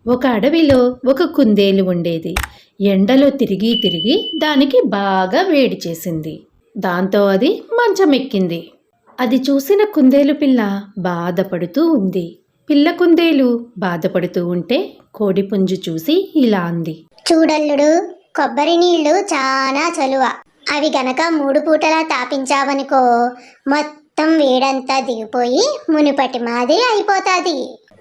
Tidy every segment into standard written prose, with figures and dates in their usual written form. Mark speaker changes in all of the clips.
Speaker 1: ఒక అడవిలో ఒక కుందేలు ఉండేది. ఎండలో తిరిగి తిరిగి దానికి బాగా వేడి చేసింది. దాంతో అది మంచమెక్కింది. అది చూసిన కుందేలు పిల్ల బాధపడుతూ ఉంది. పిల్ల కుందేలు బాధపడుతూ ఉంటే కోడిపుంజు చూసి ఇలా అంది.
Speaker 2: చూడల్లుడు, కొబ్బరి నీళ్లు చాలా చలువ. అవి గనక 3 పూటలా తాపించావనుకో మొత్తం వేడంతా దిగిపోయి మునుపటి మాదిరి అయిపోతాది.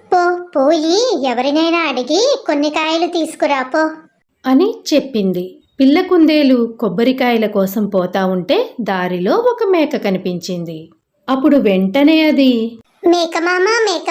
Speaker 2: పోయి ఎవరినైనా అడిగి కొన్ని కాయలు తీసుకురా పో
Speaker 1: అని చెప్పింది. పిల్ల కుందేలు కొబ్బరికాయల కోసం పోతా ఉంటే దారిలో ఒక మేక కనిపించింది. అప్పుడు వెంటనే అది,
Speaker 2: మేకమామ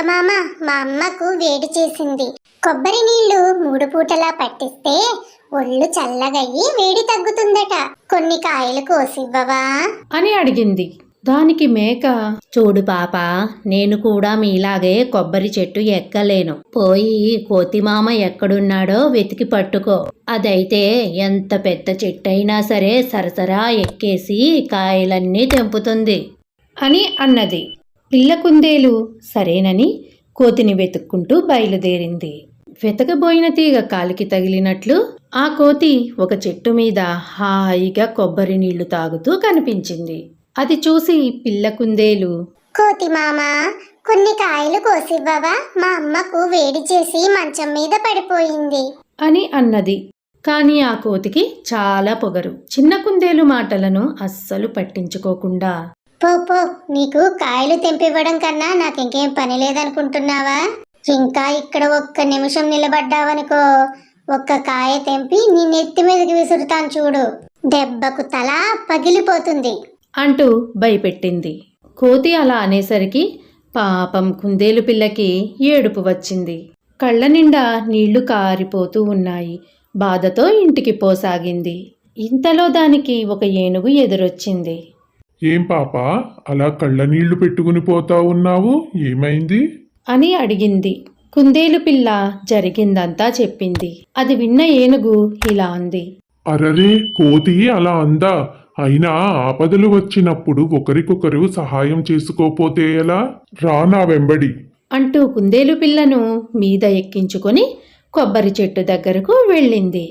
Speaker 2: మా అమ్మకు వేడి చేసింది. కొబ్బరి నీళ్లు 3 పూటలా పట్టిస్తే ఒళ్ళు చల్లగయ్యి వేడి తగ్గుతుందట. కొన్ని కాయలు కోసివ్వవా
Speaker 1: అని అడిగింది. దానికి మేక, చూడు పాప, నేను కూడా మీలాగే కొబ్బరి చెట్టు ఎక్కలేను. పోయి కోతిమామ ఎక్కడున్నాడో వెతికి పట్టుకో. అదైతే ఎంత పెద్ద చెట్టు అయినా సరే సరసరా ఎక్కేసి కాయలన్నీ తెంపుతుంది అని అన్నది. పిల్ల కుందేలు సరేనని కోతిని వెతుక్కుంటూ బయలుదేరింది. వెతకబోయిన తీగ కాలికి తగిలినట్లు ఆ కోతి ఒక చెట్టు మీద హాయిగా కొబ్బరి నీళ్లు తాగుతూ కనిపించింది. అది చూసి పిల్ల కుందేలు,
Speaker 2: కోతి మామ, కొన్ని కాయలు కోసివ్వవా? మా అమ్మకు వేడి చేసి మంచం మీద పడిపోయింది
Speaker 1: అని అన్నది. కానీ ఆ కోతికి చాలా పొగరు. చిన్న కుందేలు మాటలను అస్సలు పట్టించుకోకుండా,
Speaker 2: పో, నీకు కాయలు తెంపివ్వడం కన్నా నాకింకేం పని లేదనుకుంటున్నావా? ఇంకా ఇక్కడ ఒక్క నిమిషం నిలబడ్డావనుకో ఒక్క కాయ తెంపి నీ నెత్తి మీదకి విసురుతాను చూడు. దెబ్బకు తల పగిలిపోతుంది
Speaker 1: అంటూ భయపెట్టింది. కోతి అలా అనేసరికి పాపం కుందేలు పిల్లకి ఏడుపు వచ్చింది. కళ్ళ నిండా నీళ్లు కారిపోతూ ఉన్నాయి. బాధతో ఇంటికి పోసాగింది. ఇంతలో దానికి ఒక ఏనుగు ఎదురొచ్చింది.
Speaker 3: ఏం పాపా, అలా కళ్ళ నీళ్లు పెట్టుకుని పోతా ఉన్నావు, ఏమైంది
Speaker 1: అని అడిగింది. కుందేలు పిల్ల జరిగిందంతా చెప్పింది. అది విన్న ఏనుగు ఇలా అంది.
Speaker 3: అరరే, కోతి అలా అందా? అయినా ఆపదలు వచ్చినప్పుడు ఒకరికొకరు సహాయం చేసుకోపోతే ఎలా? రా నా వెంబడి
Speaker 1: అంటూ కుందేలు పిల్లను మీద ఎక్కించుకొని కొబ్బరి చెట్టు దగ్గరకు వెళ్ళింది.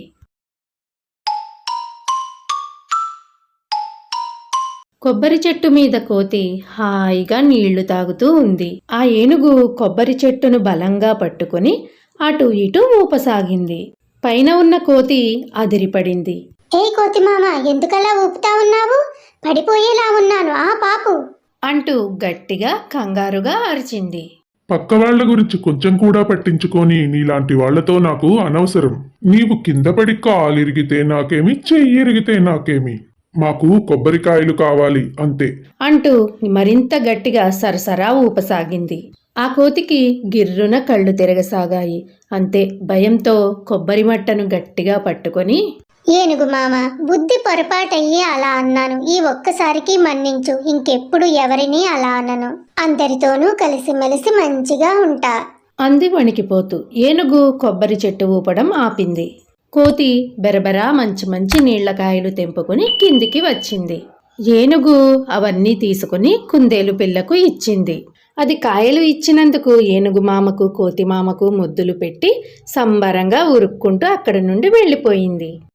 Speaker 1: కొబ్బరి చెట్టు మీద కోతి హాయిగా నీళ్లు తాగుతూ ఉంది. ఆ ఏనుగు కొబ్బరి చెట్టును బలంగా పట్టుకొని అటు ఇటు ఊపసాగింది. పైన ఉన్న కోతి అదిరిపడింది.
Speaker 2: ఏ కోతి మామ, ఎందుకలా ఊపుతా ఉన్నావు? పడిపోయేలా ఉన్నాను, ఆ పాపు
Speaker 1: అంటూ గట్టిగా కంగారుగా అరిచింది.
Speaker 3: పక్క వాళ్ల గురించి కొంచెం కూడా పట్టించుకొని నీలాంటి వాళ్లతో నాకు అనవసరం. నీవు కింద పడి కాలిరిగితే నాకేమి, చెయ్యిరిగితే నాకేమి, మాకు కొబ్బరికాయలు కావాలి అంతే
Speaker 1: అంటూ మరింత గట్టిగా సరసరా ఊపసాగింది. ఆ కోతికి గిర్రున కళ్ళు తిరగసాగాయి. అంతే, భయంతో కొబ్బరి మట్టను గట్టిగా పట్టుకొని,
Speaker 2: ఏనుగు మామ, బుద్ధి పొరపాటయ్యి అలా అన్నాను. ఈ ఒక్కసారికి మన్నించు. ఇంకెప్పుడు ఎవరిని అలా అనను. అందరితోనూ కలిసిమెలిసి మంచిగా ఉంటా
Speaker 1: అంది వణికిపోతూ. ఏనుగు కొబ్బరి చెట్టు ఊపడం ఆపింది. కోతి బెరబెరా మంచి మంచి నీళ్లకాయలు తెంపుకుని కిందికి వచ్చింది. ఏనుగు అవన్నీ తీసుకుని కుందేలు పిల్లకు ఇచ్చింది. అది కాయలు ఇచ్చినందుకు ఏనుగు మామకు కోతి మామకు ముద్దులు పెట్టి సంబరంగా ఉరుక్కుంటూ అక్కడి నుండి వెళ్ళిపోయింది.